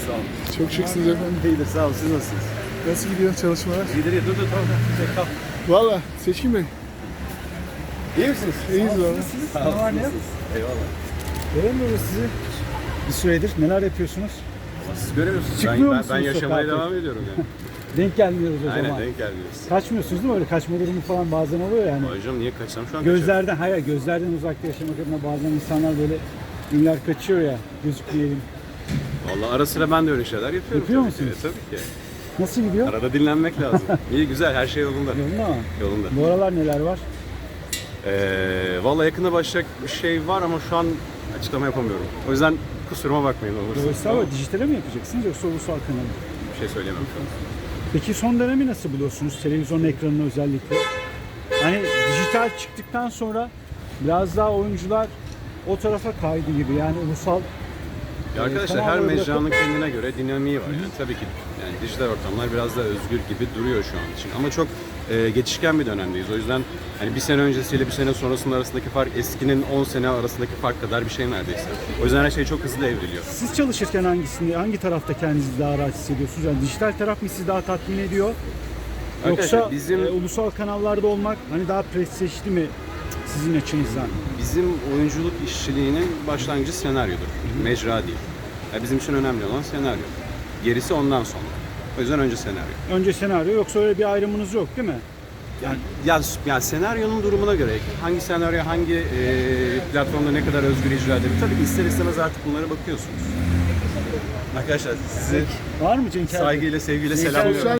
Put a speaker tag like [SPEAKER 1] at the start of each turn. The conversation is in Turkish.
[SPEAKER 1] Sağ olun.
[SPEAKER 2] Çok şıksınız efendim.
[SPEAKER 1] İyidir, sağ olun. Siz nasılsınız?
[SPEAKER 2] Nasıl gidiyor çalışmalar?
[SPEAKER 1] İyidir, dur tamam. Kal.
[SPEAKER 2] Valla Seçkin Bey,
[SPEAKER 1] İyi misiniz?
[SPEAKER 2] iyiyiz valla.
[SPEAKER 1] Sağ olun.
[SPEAKER 3] var ne yok?
[SPEAKER 1] Eyvallah.
[SPEAKER 3] Göremiyoruz sizi. Bir süredir neler yapıyorsunuz?
[SPEAKER 1] Siz göremiyorsunuz.
[SPEAKER 3] Çıkmıyor
[SPEAKER 1] Ben
[SPEAKER 3] musunuz
[SPEAKER 1] yaşamaya
[SPEAKER 3] sokağa?
[SPEAKER 1] devam ediyorum yani.
[SPEAKER 3] Denk gelmiyoruz o
[SPEAKER 1] Aynen,
[SPEAKER 3] zaman.
[SPEAKER 1] denk gelmiyoruz.
[SPEAKER 3] Kaçmıyorsunuz değil mi? Öyle kaçma durumu falan bazen oluyor yani.
[SPEAKER 1] Hocam niye kaçsam şu an kaçıyorum.
[SPEAKER 3] Gözlerden, hayır gözlerden uzakta yaşamak adına bazen insanlar böyle ünler kaçıyor ya, gözükmeyelim.
[SPEAKER 1] Vallahi ara sıra ben de öyle şeyler yapıyorum.
[SPEAKER 3] Yapıyor
[SPEAKER 1] tabii ki.
[SPEAKER 3] musunuz?
[SPEAKER 1] Tabii ki.
[SPEAKER 3] Nasıl gidiyor?
[SPEAKER 1] Arada dinlenmek lazım. İyi, güzel, her şey yolunda.
[SPEAKER 3] Yolunda mı?
[SPEAKER 1] Yolunda.
[SPEAKER 3] Bu aralar neler var?
[SPEAKER 1] Vallahi yakında başlayacak bir şey var ama şu an açıklama yapamıyorum. O yüzden kusuruma bakmayın olursa.
[SPEAKER 3] Dolayısıyla ama dijitale mi yapacaksınız yoksa ulusal kanal mı?
[SPEAKER 1] Bir şey söyleyemem şu an.
[SPEAKER 3] Peki son dönemi nasıl buluyorsunuz? Televizyon ekranını özellikle. Hani dijital çıktıktan sonra biraz daha oyuncular o tarafa kaydı gibi. Yani ulusal
[SPEAKER 1] Ya arkadaşlar her
[SPEAKER 3] tamamen
[SPEAKER 1] mecranın kendine göre dinamiği var. Yani tabii ki yani dijital ortamlar biraz daha özgür gibi duruyor şu an için. Ama çok geçişken bir dönemdeyiz. O yüzden hani bir sene öncesiyle bir sene sonrasının arasındaki fark eskinin 10 sene arasındaki fark kadar bir şey neredeyse. O yüzden her şey çok hızlı evriliyor.
[SPEAKER 3] Siz çalışırken hangi tarafta kendinizi daha rahat hissediyorsunuz? Yani dijital taraf mı sizi daha tatmin ediyor?
[SPEAKER 1] Arkadaşlar
[SPEAKER 3] Yoksa
[SPEAKER 1] bizim
[SPEAKER 3] ulusal kanallarda olmak hani daha prestijli mi sizin açınızdan?
[SPEAKER 1] bizim oyunculuk işçiliğinin başlangıcı senaryodur. Mecra değil. Yani bizim için önemli olan senaryo. Gerisi ondan sonra. O yüzden önce senaryo.
[SPEAKER 3] Önce senaryo yoksa öyle bir ayrımınız yok değil mi?
[SPEAKER 1] Yani senaryonun durumuna göre hangi senaryo hangi platformda ne kadar özgür icra edebilir. Tabii ki ister istemez artık bunlara bakıyorsunuz. Arkadaşlar sizi
[SPEAKER 3] Var mı Cenk abi?
[SPEAKER 1] saygıyla sevgiyle
[SPEAKER 3] Cenk abi,
[SPEAKER 1] selamlıyorum.